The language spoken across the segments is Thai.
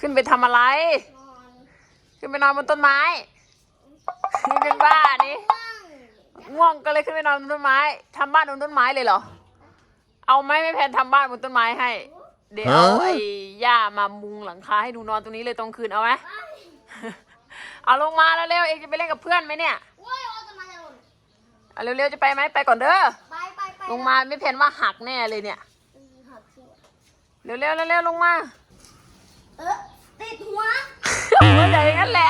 ขึ้นไปทำอะไรขึ้นไปนอนบนต้นไม้นี่เป็นบ้านี่ง่วงก็เลยขึ้นไปนอนบนต้นไม้ทำบ้านบนต้นไม้เลยเหรอเอาไหมไม่แพนทำบ้านบนต้นไม้ให้เดี๋ยวไอ้ย่ามามุงหลังคาให้ดูนอนตรงนี้เลยตรงคืนเอาไหมเอาลงมาแล้วเร็วเองจะไปเล่นกับเพื่อนไหมเนี่ยเอาเร็วๆจะไปไหมไปก่อนเด้อลงมาไม่แพนว่าหักแน่เลยเนี่ยเร็วๆลงมาติดหัวมันใหญ่อย่างนั้นแหละ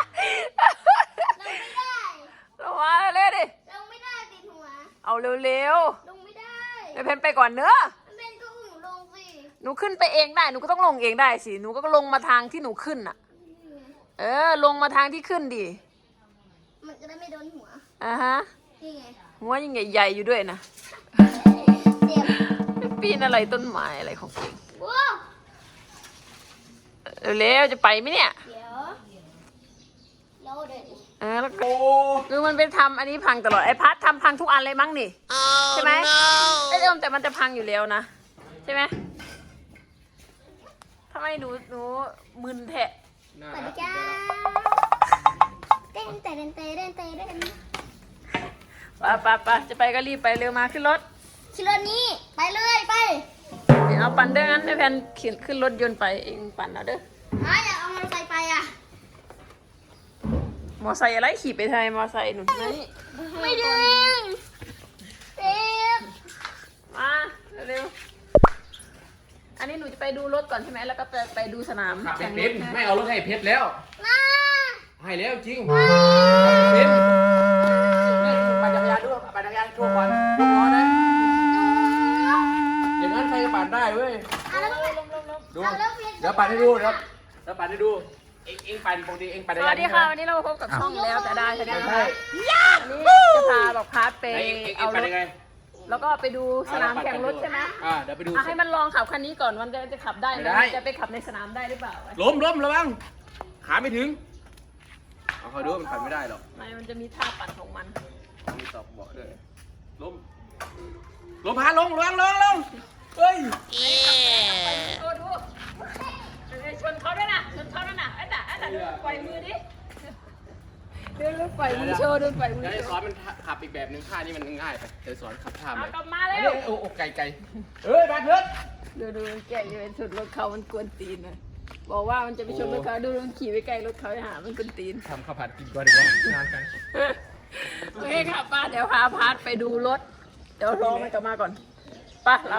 ลงมาเร็วดิลงไม่ได้ติดหัวเอาเร็วลงไม่ได้ไม่แพนไปก่อนเด้อเพนก็หนูลงสิหนูขึ้นไปเองได้หนูก็ต้องลงเองได้สิหนูก็ลงมาทางที่หนูขึ้นน่ะลงมาทางที่ขึ้นดิมันจะได้ไม่โดนหัวฮะหัวยังใหญ่ๆอยู่ด้วยนะปีนอะไรต้นไม้อะไรของเองเร็วจะไปไหมเนี่ยเดี๋ยวแล้วก็คือมันเป็นทำอันนี้พังตลอดไอ้พัดทำพังทุกอันเลยมั้งนี่ใช่ไหมไอ้แต่มันจะพังอยู่แล้วนะใช่ไหมทำไมหนูมึนแทะสวัสดีจ้าเต้นไปจะไปก็รีบไปเร็วมาขึ้นรถนี้ไปเลยไปเดี๋ยวเอาปั่นเด้องั้นให้แพนเขียนขึ้นรถยนต์ไปเองปั่นเอาเด้ออยากเอามอเตอร์ไซค์ไปอ่ะมอไซค์อะไรขี่ไปไทยมอไซค์หนูนี่ไม่ดึงเต็มมาเร็วอันนี้หนูจะไปดูรถก่อนใช่ไหมแล้วก็ไปดูสนามแข่งรถไม่เอารถให้เพชรแล้วให้แล้วจริงเพชรปั่นจักรยานด้วยปั่นจักรยานโชว์ก่อนยกล้อนะอย่างนั้นใครจะปั่นได้เว้ยดูเดี๋ยวปั่นให้ดูเดี๋ยวปั่นให้ดูเอ็งปั่นปกติเอ็งปั่นจักรยานสวัสดีค่ะวันนี้เราพบกับช่องแล้วแต่ได้ใช่ไหมคะวันนี้จะพาบอกพาร์ทไปเอารถแล้วก็ไปดูสนามแข่งรถใช่ไหมเดี๋ยวไปดูให้มันลองขับคันนี้ก่อนมันจะขับได้ไหมจะไปขับในสนามได้หรือเปล่าล้มระวังขาไม่ถึงเอาคอยดูมันปั่นไม่ได้หรอกมันจะมีท่าปั่นของมันมีตอกเบาะด้วยล้มพาลงเฮ้ยดูชนเขาด้วยนะไอ้แต่ปล่อยมือดิดูปล่อยมือโชว์ดูปล่อยมือเดี๋ยวสอนมันขับอีกแบบนึงท่านี้มันง่ายไปเดี๋ยวสอนขับท่าใหม่กลับมาเลยโอ้ไกลมาเถิดดูแกอยู่เป็นสุดรถเขามันกวนตีนเลยบอกว่ามันจะไปชนรถเขาดูมันขี่ไปไกลรถเขาหามันกวนตีนทำข้าวผัดกินก่อนดีกว่างานกันโอเคค่ะป้าเดี๋ยวพาพาร์ทไปดูรถเดี๋ยวรอมันกลับมาก่อนป้าเรา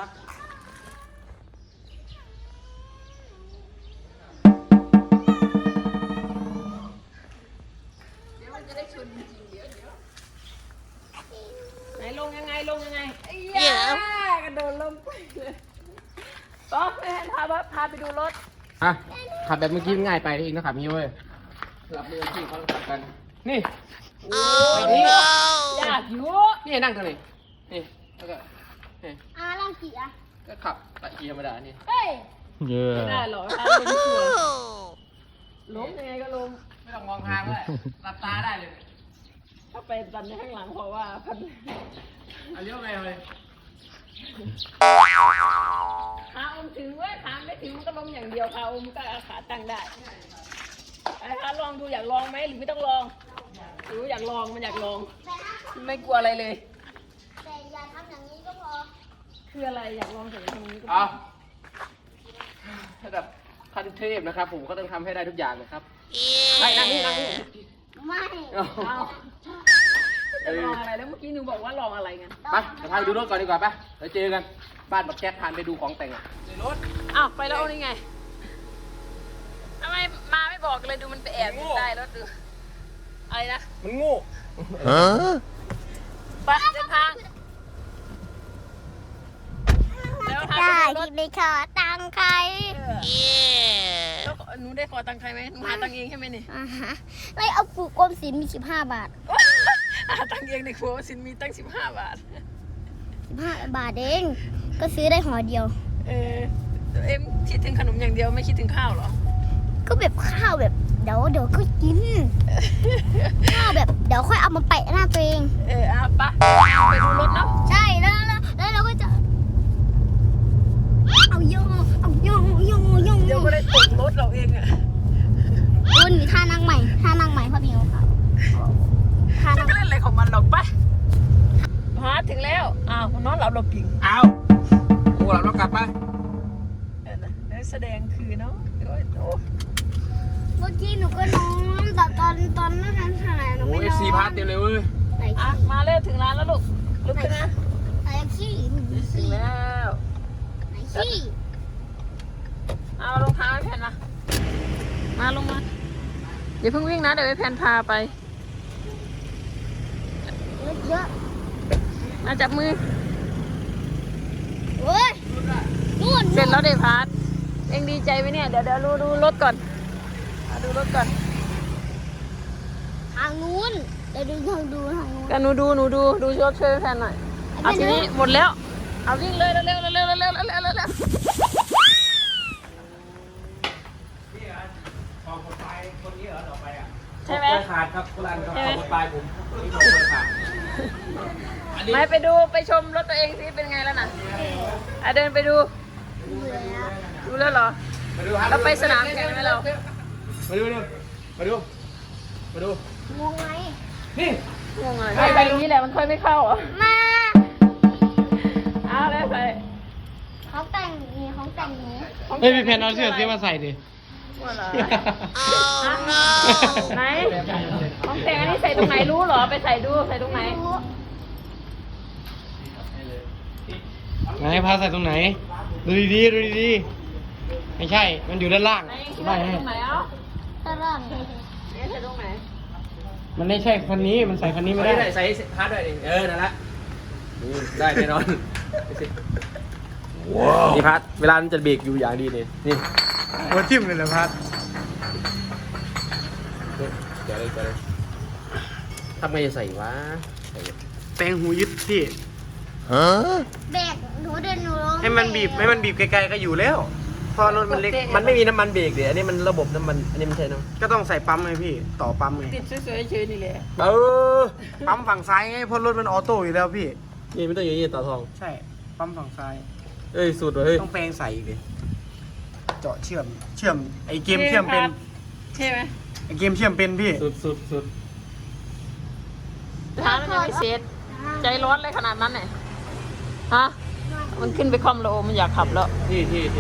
ลงยังไงกระโดดลงไปเลยก็ให้พาไปดูรถขับแบบเมื่อกี้ง่ายไปเองนะขับนี้เว้ยหลับมือที่เขาขับกันนี่ยากอยู่นี่นั่งตรงนี้นี่แล้วก็ล่างกี่ก็ขับตะเกียร์ธรรมดานี่ไม่ได้หรอกทางเป็นส่วนล้มยังไงก็ล้มไม่ต้องมองทางเลยหลับตาได้เลยถ้าไปดันในข้างหลังเพราะว่าพันเลี้ยวไงเลยขาอมถึงเว้ยขาไม่ถึงมันก็ล้มอย่างเดียวขาอมก็ขาตั้งได้ไอ้คะลองดูอยากลองไหมหรือไม่ต้องลองหรืออยากลองมันอยากลองไม่กลัวอะไรเลยแต่อย่าทำอย่างนี้ก็พอคืออะไรอยากลองแต่อย่างนี้ก็พอถ้าแบบขั้นเทพนะครับผมก็ต้องทำให้ได้ทุกอย่างนะครับได้นั่งนี่ไม่ลองอะไรแล้วเมื่อกี้หนูบอกว่าลองอะไรกันไปเดี๋ยวพาไปดูรถก่อนดีกว่าไปเดี๋ยวเจอกันบ้านบักแจ๊กพานไปดูของแต่งในรถไปแล้วนี่ไงทำไมมาไม่บอกเลยดูมันไปแอบอยู่ใต้รถดูอะไรนะมันโง่ไปเดินทางได้ที่ไม่ขอตังใครแล้วหนูได้ขอตังใครไหมหนูหาตังเองใช่ไหมนี่ไม่เอาปูกรมศิลป์มี15 บาทหาตังเองในครัวสินมีตั้ง15 บาท 15 บาทเองก็ซื้อได้ห่อเดียวคิดถึงขนมอย่างเดียวไม่คิดถึงข้าวหรอก็แบบข้าวแบบเดี๋ยวก็กินข้าวแบบเดี๋ยวค่อยเอามาแปะหน้าตัวเองปะไปดูรถเนาะใช่แล้วเราก็จะเอาโยเดี๋ยวก็ได้ตกรถเราาวมันนอนหลับเราปิงเอาโอ้เรากลับไปแสดงคือเนาะโอ้ยโอ้เมื่อกี้หนูก็นอนแต่ตอนนั้นขนาดหนูโอ้ไม่เอน ฟอซีนพาร์ทเต็มเลยเว้ยไหนอ่ะมาเร็วถึงร้านแล้วลูกลุกขึ้นนะไหนขี้หนูถึขี้งแล้วไหนขี้เอารองเท้าให้แพนมาลงมาอย่าเพิ่งวิ่งนะเดี๋ยวให้แพนพาไปเยอะมาจับมือเว้ยนู่นเสร็จแล้วเดพาร์ทเองดีใจไหมเนี่ยเดี๋ยวดูรถก่อนดูรถก่อนทางนู้นเดี๋ยวดูทางนู้นกันหนูดูช่วยแพนหน่อยเอาทีนี้หมดแล้วเอาวิ่งเลยเร็วใช่ไหมขาดครับคนละครับขอบคุณปลายผมนี่ขอบคุณขาดอันนี้ไม่ไปชมรถตัวเองสิเป็นไงแล้วน่ะอ่ะเดินไปดูเบื่อแล้วดูแล้วเหรอมาดูครับเราไปสนามแข่งไหมเรามาดูมาดูงงไหมนี่งงอะไรไปตรงนี้แหละมันค่อยไม่เข้าอ่ะมาเอาแล้วใส่เขาแต่งนี่เขาแต่งนี้เฮ้ยพี่เพนเอาเสื้อซื้อมาใส่ดิว่าเหรอไหนของแต่งอันนี้ใส่ตรงไหนรู้เหรอไปใส่ดูใส่ตรงไหนไหนพาใส่ตรงไหน ดูดีๆไม่ใช่ มันอยู่ด้านล่างไหนคิดไม่ว่าใส่ให้ตรงไหนเอ้าตะร่างเนี่ยใส่ตรงไหนมันไม่ใช่คันนี้ มันใส่คันนี้ไม่ไม่ได้ได้ใส่พาร์ทด้วยดินั่นละได้แน่นอนนี่พาร์ทเวลามันจะเบรกอยู่อย่างดีนี่หัวทิ่มเลยเหรอพัดเดี๋ยวเลยทำไงจะใส่วะแปลงหูยึดพี่แบกหนูเดินหนูร้องให้มันบีบไกลๆก็อยู่แล้วเพอรถมันเล็กมันไม่มีน้ำมันเบรกเดี๋ยวอันนี้มันระบบน้ำมันอันนี้มันใช่น้ำก็ต้องใส่ปั๊มไงพี่ ต่อปั๊มไงติดสวยๆเฉยๆนี่แหละปั๊มฝั่งซ้ายไงเพราะรถมันออโต้อยู่แล้วพี่นี่ไม่ต้องอย่างนี้ต่อทองใช่ ปั๊มฝั่งซ้ายเอ้ยสุดเลยต้องแปลงใส่อีกเลยเจาะเชื่อมไอเกมเชื่อมเป็นใช่ไหมไอเกมเชื่อมเป็นพี่สุดท้ามันยังไม่เสร็จใจร้อนเลยขนาดนั้นเนี่ยฮะมันขึ้นไปคอมแล้วมันอยากขับแล้วที่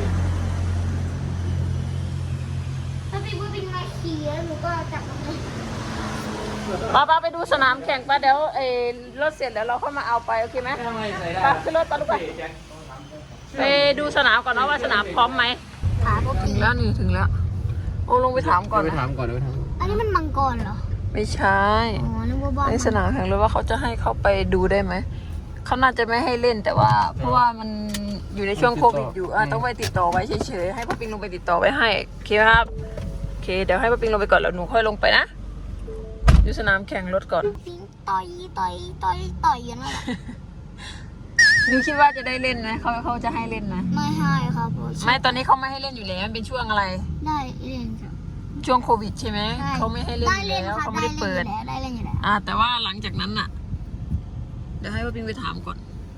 ถ้าพี่พูดเป็นมาขี่แล้วหนูก็จับมันเลยป้าไปดูสนามแข่งป้าเดี๋ยวรถเสร็จแล้วเราเข้ามาเอาไปโอเคไหมทำไมใส่ได้ป้าขึ้นรถป้าลูกไปไปดูสนามก่อนนะว่าสนามพร้อมไหมขาพวกถึงแล้วนี่ถึงแล้ว โอ้ลงไปถามก่อนไปนะถามก่อนไปถามอันนี้มันมังกรเหรอไม่ใช่อ๋อนึกว่าบ้านในสนามแข่งรถว่าเขาจะให้เข้าไปดูได้ไหมเขาน่าจะไม่ให้เล่นแต่ว่าเพราะว่ามันอยู่ในช่วงโควิดอยู่ต้องไปติดต่อไว้เฉยๆให้ป้าปิงลงไปติดต่อไว้ให้โอเคครับโอเคเดี๋ยวให้ป้าปิงลงไปก่อนแล้วหนูค่อยลงไปนะดูสนามแข่งรถก่อนปิงต่อยอย่างนั้นแหละหนูคิดว่าจะได้เล่นไหมเขาจะให้เล่นไหมไม่ให้ครับผมไม่ตอนนี้เขาไม่ให้เล่นอยู่แล้วมันเป็นช่วงอะไรได้เล่นครับช่วงโควิดใช่ไหมเขาไม่ให้เล่นได้อยู่เล่นแล้วครับเขาไม่ได้เปิดได้เล่นอยู่แล้วแต่ว่าหลังจากนั้นน่ะ เดี๋ยวให้ป้าปิงไปถามก่อน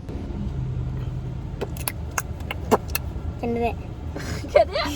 กันเลยแค่เนี้ย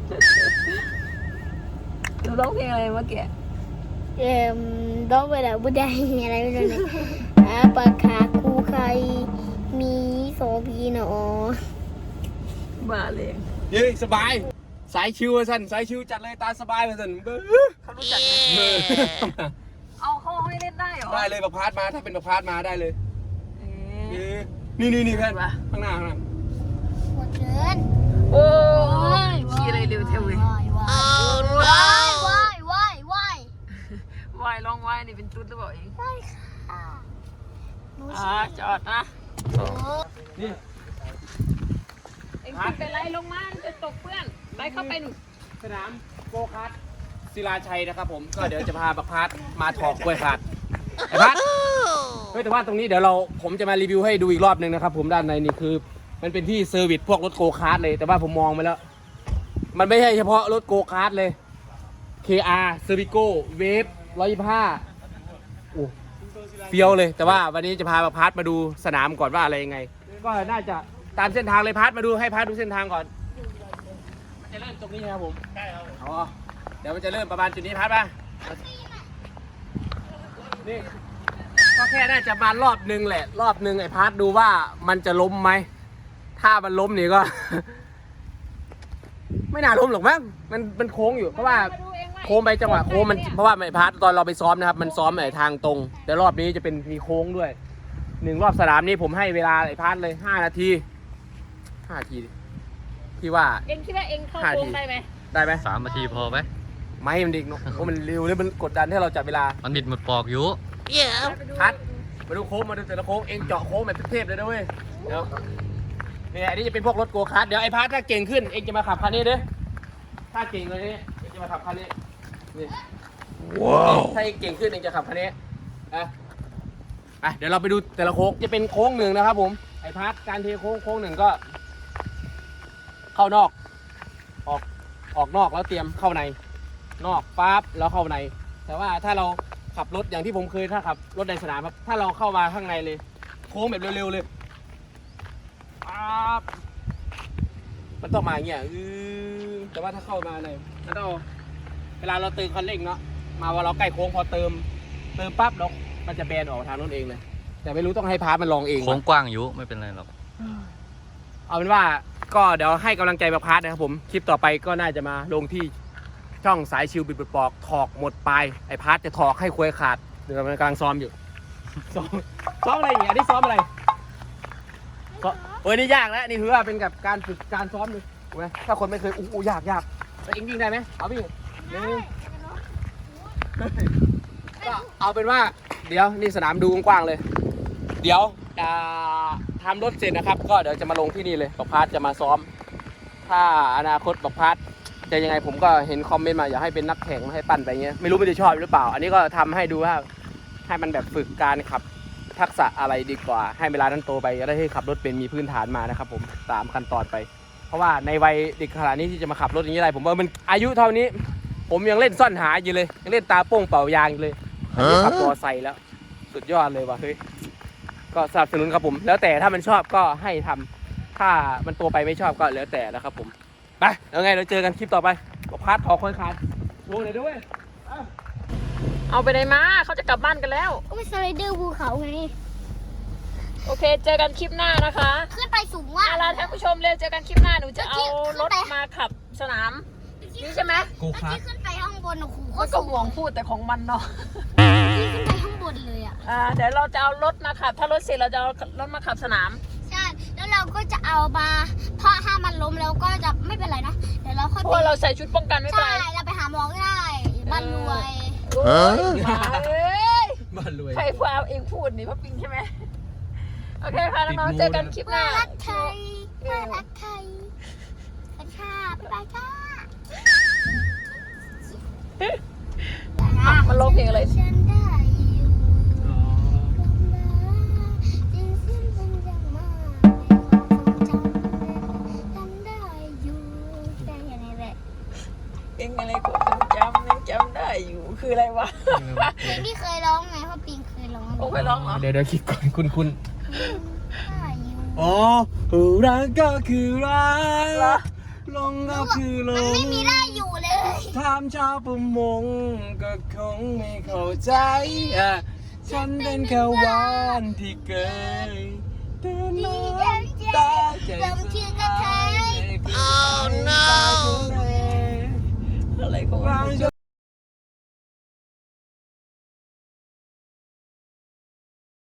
หนูร้องเพลงอะไรเมื่อกี้ต้องไปแล้วบุได้อะไรไม่รู้เนี่ยปลาคาคูไข่มีโซพีเนาะบ้าเลยเฮ้ยสบายสายชิวสันสายชิวจัดเลยตาสบายสันเขารู้จักไหมเอาเขาให้เล่นได้เหรอได้เลยประพาสมาถ้าเป็นประพาสมาได้เลยเอ๊ะนี่เพื่อนข้างหน้าหมดเกินโอ้ยขี่อะไรเร็วเท่าเว้ยว้ายวายร้องวายนี่เป็นตุ๊ดหรือเปล่าเองได้ค่ะหนูจอดนะนี่เองขึ้นไปไล่ลงมาจะตกเพื่อนไปเข้าไปหนูสนามโกคาร์ทศิลาชัยนะครับผมก็เดี๋ยวจะพาประพาสมาถอกกล้วยขาดไอ้พัดเฮ้ยแต่ว่าตรงนี้เดี๋ยวผมจะมารีวิวให้ดูอีกรอบนึงนะครับผมด้านในนี่คือมันเป็นที่เซอร์วิสพวกรถโกคาร์ทเลยแต่ว่าผมมองไปแล้ว มันไม่ใช่เฉพาะรถโกคาร์ทเลย KR c e r v i c o Wave 125โอ้เฟี้ยวเลยแต่ว่าวันนี้จะพาพาร์ทมาดูสนามก่อนว่าอะไรยังไง ก็น่าจะตามเส้นทางเลยพาร์ทมาดูให้พาร์ทดูเส้นทางก่อนมันจะเริ่มตรงนี้นะครับผมใช่ครับอ๋อเดี๋ยวมันจะเริ่มประมาณจุดนี้พาร์ทมานี่ก็แค่น่าจะมารอบนึงแหละ รอบนึงไอ้พาร์ทดูว่ามันจะล้มไหมถ้ามันล้มนี่ก็ ไม่น่าล้มหรอกมั้งมันโค้งอยู่เพราะว่าโค้งไปจังหวะโค้งมันเพราะว่าไอ้พาร์ทตอนเราไปซ้อมนะครับมันซ้อมไอ้ทางตรง แต่รอบนี้จะเป็นมีโค้งด้วย1 รอบสนามนี้ผมให้เวลาไอ้พาร์ทเลย5 นาที5 นาทีที่ว่าเองคิดว่าเองเข้าโค้งได้ไหมได้ไหม 3 นาทีพอไหมไม่มันดิกเนาะโอ้มันเร็วเลยมันกดดันให้เราจับเวลามันบิดหมดปอกอยู่พัดมาดูโค้งมาดูแต่ละโค้งเองเจาะโค้งแบบเทพๆเลยนะเว้ยเดี๋ยวเนี่ยอันนี้จะเป็นพวกรถโกคาร์ทเดี๋ยวไอ้พัดถ้าเก่งขึ้นเองจะมาขับคันนี้เด้อถ้าเก่งเลยนี่เองจะมาขับคันนี้นี่ว้าวถ้าเองเก่งขึ้นเองจะขับคันนี้อ่ะเดี๋ยวเราไปดูแต่ละโค้งจะเป็นโค้งหนึ่งนะครับผมไอ้พัดการเทโค้งหนึ่งก็ เข้านอกออกนอกแล้วเตรียมเข้าในนอกปั๊บแล้วเข้าใน แต่ว่าถ้าเราขับรถอย่างที่ผมเคยถ้าขับรถในสนามครับถ้าเราเข้ามาข้างในเลยโค้งแบบเร็วๆเลยปั๊บมันต้องมาอย่างเงี้ยแต่ว่าถ้าเข้ามาในมันต้องเวลาเราเติมคันเร่งเนาะมาว่าเราใกล้โค้งพอเติมปั๊บแล้วมันจะแบนออกทางนู้นเองเลยแต่ไม่รู้ต้องให้พาร์ทมันลองเองโค้งกว้างอยู่ไม่เป็นไรหรอกเอาเป็นว่าก็เดี๋ยวให้กำลังใจมาพาร์ทนะครับผมคลิปต่อไปก็น่าจะมาลงที่ช่องสายชิวบิดปอกถอกหมดปลายไอ้พาร์ทจะถอกให้ควยขาดเดี๋ยวมันกำลังซ้อมอยู่ ซ้อมอะไรอย่างเงี้ยนี่ซ้อมอะไรนี่ยากแล้วนี่ถือว่าเป็นกับการฝึกการซ้อมดูถูกไหมถ้าคนไม่เคยยากแล้วเอ็งวิ่งได้ไหมเอาวิ่งก็เอาเป็นว่าเดี๋ยวนี่สนามดูกว้างๆเลย เดี๋ยวทำรถเสร็จนะครับก็เดี๋ยวจะมาลงที่นี่เลยบักพาร์ทจะมาซ้อมถ้าอนาคตบักพาร์ทจะยังไงผมก็เห็นคอมเมนต์มาอยากให้เป็นนักแข่งให้ปั่นไปเงี้ยไม่รู้มันจะชอบหรือเปล่าอันนี้ก็ทำให้ดูว่าให้มันแบบฝึกการขับทักษะอะไรดีกว่าให้เวลานั้นโตไปจะได้ให้ขับรถเป็นมีพื้นฐานมานะครับผมตามขั้นตอนไปเพราะว่าในวัยเด็กขนาดนี้ที่จะมาขับรถอย่างนี้ได้ผมว่ามันอายุเท่านี้ผมยังเล่นซ่อนหาอยู่เลยยังเล่นตาโป้งเป่ายางอยู่เลยขับมอไซค์แล้วสุดยอดเลยว่ะเฮ้ยก็สนับสนุนครับผมแล้วแต่ถ้ามันชอบก็ให้ทำถ้ามันโตไปไม่ชอบก็แล้วแต่นะครับผมไปแล้วไงเราเจอกันคลิปต่อไปก็พาร์ทถอคอยขาดลงเลยด้วยเอาไปไหนมาเขาจะกลับบ้านกันแล้วก็ไปสไลเดอร์ภูเขาไงโอเคเจอกันคลิปหน้านะคะขึ้นไปสูงว่าลาท่านผู้ชมเร็วเจอกันคลิปหน้าหนูจะเอารถมาขับสนามนี่ใช่ไหมกูคาร์ที่ขึ้นไปข้างบนโอ้โหมันก็ห่วงพูดแต่ของมันเนาะที่ขึ้นไปข้างบนเลยอ่ะเดี๋ยวเราจะเอารถมาขับถ้ารถเสร็จเราจะเอารถมาขับสนามใช่แล้วเราก็จะเอามาเพราะถ้ามันล้มแล้วก็จะไม่เป็นไรนะเดี๋ยวเราค่อยเพราะว่าเราใส่ชุดป้องกันไม่เป็นใช่ไรเราไปหาหมอก็ได้บ้านรวยโอ้ยมาเอ้ยบ้านรวยใครพาเองพูดนี่พ่อปิงใช่ไหมโอเคค่ะน้องๆเจอกันคลิปหน้ารักไทยรักไทยสวัสดีค่ะบ๊ายบายค่ะมันร้องเพลงอะไรฉันได้อยู่จึงสิ้นเป็นอย่างมากจำได้อยู่ได้อย่างนี้แหละเพลงอะไรกูยังจำได้อยู่คืออะไรวะเพลงที่เคยร้องไงเพราะปิงเคยร้องโอ้เคยร้องเหรอเดี๋ยวคิดก่อนคุณได้อยู่อ๋อรักก็คือรักเหรอลงก็คือลมันงไม่มีได้อยู่เลยถามชาวประมงก็คงไม่เข้าใจฉันเป็นแค่วานที่เกยเดินดีมาใจลมชื่อกระเทย Oh no อะไรของ